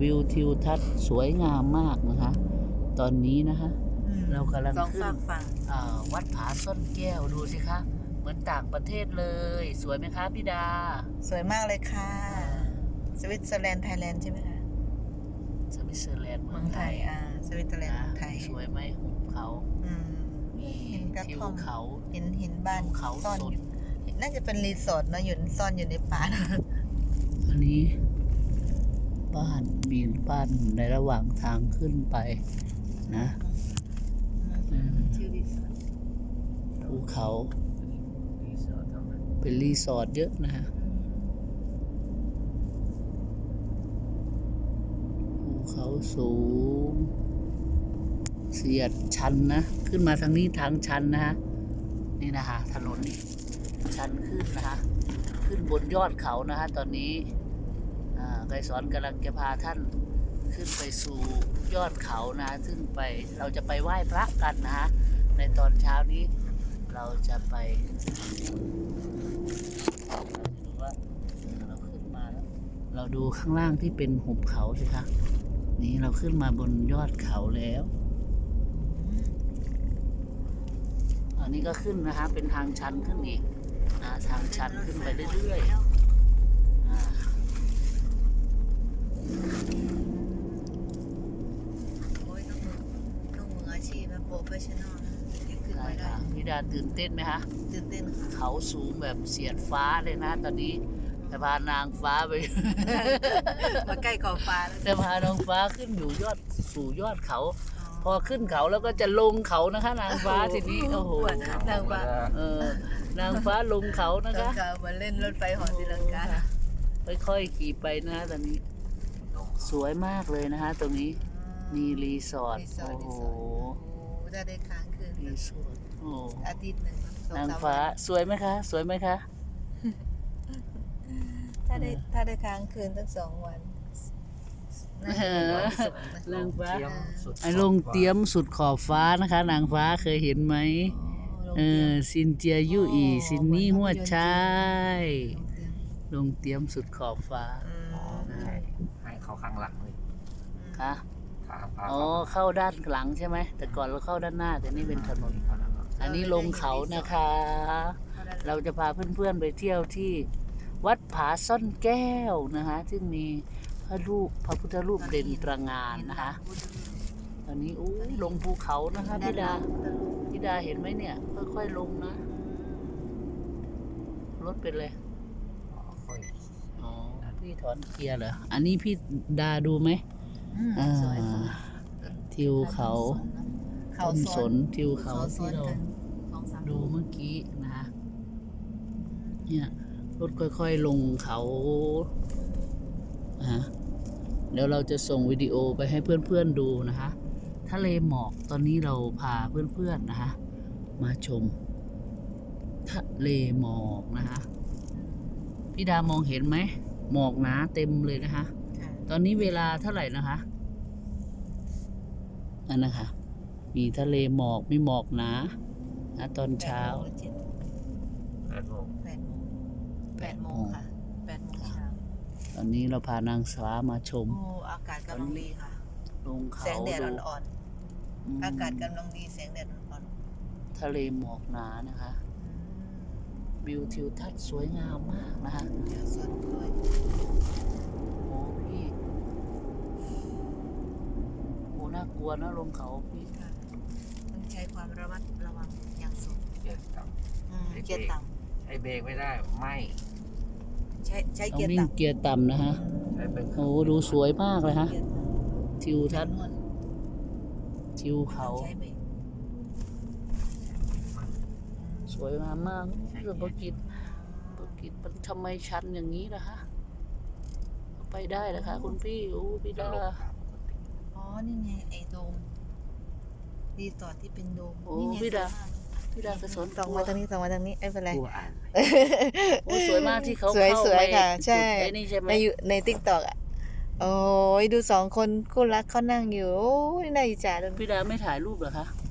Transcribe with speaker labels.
Speaker 1: วิวทิวทัศน์สวยงามมากนะคะตอนนี้นะคะเรากำลังขึ้นวัดผาซ่อนแก้วดูสิคะเหมือนต่างประเทศเลยสวยไหมคะพี่ดา
Speaker 2: สวยมากเลยค่ะสวิตเซอร์แลนด์ไทยแลนด์ใช่ไหมคะ
Speaker 1: สวิตเซอร์แลนด์เมืองไทย
Speaker 2: สวิตเซอร์แลนด์เมืองไทย
Speaker 1: สวยไหมหุบเขามีทิวเขา
Speaker 2: เห็นบ้าน
Speaker 1: เขา
Speaker 2: ซ่อนน่าจะเป็นรีสอร์ทนะอยู่ซ่อนอยู่ในป่า
Speaker 1: อันนี้บ้านมีบ้านในระหว่างทางขึ้นไปนะภูเขาเป็นรีสอร์ทเยอะนะฮะภูเขาสูงเสียดชันนะขึ้นมาทางนี้ทางชันนะฮะนี่นะฮะถนนนี่ชันขึ้นนะฮะขึ้นบนยอดเขานะฮะตอนนี้ไกรสอนกำลังจะพาท่านขึ้นไปสู่ยอดเขานะซึ่งไปเราจะไปไหว้พระกันนะฮะในตอนเช้านี้เราจะไปดูว่าเราขึ้นมาแล้วเราดูข้างล่างที่เป็นหุบเขาสิคะนี่เราขึ้นมาบนยอดเขาแล้วอันนี้ก็ขึ้นนะฮะเป็นทางชันขึ้นอีกทางชันขึ้นไปเรื่อยๆ
Speaker 2: ต้องมืออาชีพแบบโปรเฟชชั่นอลจะขึ้นไปได้
Speaker 1: พี่ดาตื่นเต้นไหมคะ
Speaker 2: ตื่นเต้นค่ะ
Speaker 1: เขาสูงแบบเสียดฟ้าเลยนะตอนนี้จะพานางฟ้าไป
Speaker 2: มาใกล้ขอบฟ้าแล้ว
Speaker 1: จะพานางฟ้าขึ้นอยู่สู่ยอดเขาพอขึ้นเขาแล้วก็จะลงเขานะคะนางฟ้าทีนี้โอ้โห
Speaker 2: นางฟ้
Speaker 1: านางฟ้าลงเขานะคะ
Speaker 2: มาเล่นรถไฟหอศิลังกา
Speaker 1: ค่อยๆขี่ไปนะตอนนี้สวยมากเลยนะคะตรงนี้มีรีสอร์ทโอ้โห
Speaker 2: จะได้ค้างคืน
Speaker 1: รีสอร์ท
Speaker 2: อาทิตย์หนึ่ง
Speaker 1: นางฟ้าสวยไหมคะสวยไหมคะ
Speaker 2: ถ้าได้ค้างคืนตั้ง2 วัน
Speaker 1: นางฟ้าลงเตี้ยมสุดขอบฟ้านะคะนางฟ้าเคยเห็นไหมซินเจียยู่อีซินนี่หัวชายลงเตี้ยมสุดขอบฟ้า
Speaker 3: ให้เขาข้างหลังเลย
Speaker 1: ค่ะอ๋อเข้าด้านหลังใช่ไหมแต่ก่อนเราเข้าด้านหน้าแต่นี่เป็นถนนอันนี้ลงเขานะคะเราจะพาเพื่อนๆไปเที่ยวที่วัดผาซ่อนแก้วนะคะซึ่งมีพระพุทธรูปเด่นตระหง่านนะคะตอนนี้ลงภูเขานะคะพี่ดาเห็นไหมเนี่ยค่อยๆลงนะรถเป็นเลยอ๋อพี่ถอนเกียร์เหรออันนี้พี่ดาดูไหมทิวเขาต้นสนทิวเขาที่เราดูเมื่อกี้นะคะเนี่ยรถค่อยๆลงเขาเดี๋ยวเราจะส่งวิดีโอไปให้เพื่อนๆดูนะคะทะเลหมอกตอนนี้เราพาเพื่อนๆนะคะมาชมทะเลหมอกนะคะพี่ดามองเห็นไหมหมอกหนาเต็มเลยนะคะตอนนี้เวลาเท่าไหร่นะคะอันนะคะมีทะเลหมอกมีหมอกหนาตอนเช้า
Speaker 3: 8 โมง
Speaker 2: ค่ะ8 โมงเช้า
Speaker 1: ตอนนี้เราพานางฟ้ามาชม
Speaker 2: อากาศกำลังดีค่ะ
Speaker 1: ลงเขา
Speaker 2: แสงแดดอ่อนๆอากาศกำลังดีแสงแดดอ่อน
Speaker 1: ๆทะเลหมอกหนานะคะวิวทิวทัศน์สวยงามมากนะคะ
Speaker 2: สดด้วย
Speaker 1: โอ้พี่โอ้น่ากลัวนะลงเขาพี่
Speaker 2: ต้องใช้ความระมัดระวังอย่างสูง
Speaker 3: เกียร์ต่ำ
Speaker 2: ใช้
Speaker 3: เบรกไม่ได้ไม่
Speaker 2: ใช้เกียร์
Speaker 1: ต่ำเกียร์ต่ำนะฮะโอ้ดูสวยมากเลยฮะทิวทัศน์ทิวเขาสวยงามมากเรื่องประกิตมันทำไมชันอย่างนี้ล่ะฮะไปได้นะคะคุณพี่พี่ดา
Speaker 2: นี่ไงไอ้โดมรีสอร์ทที่เป็นโดม
Speaker 1: พี่ดากระสน
Speaker 2: ส่องมาทางนี้ไม่เป็นไร
Speaker 1: สวยมากที่เขา
Speaker 2: สวยค่ะใช่ในTikTokโอ้ยดู2 คนคู่รักเขานั่งอยู่โอ้ยน่าอิจฉาเลย
Speaker 1: พี่ดาไม่ถ่ายรูปเหรอคะ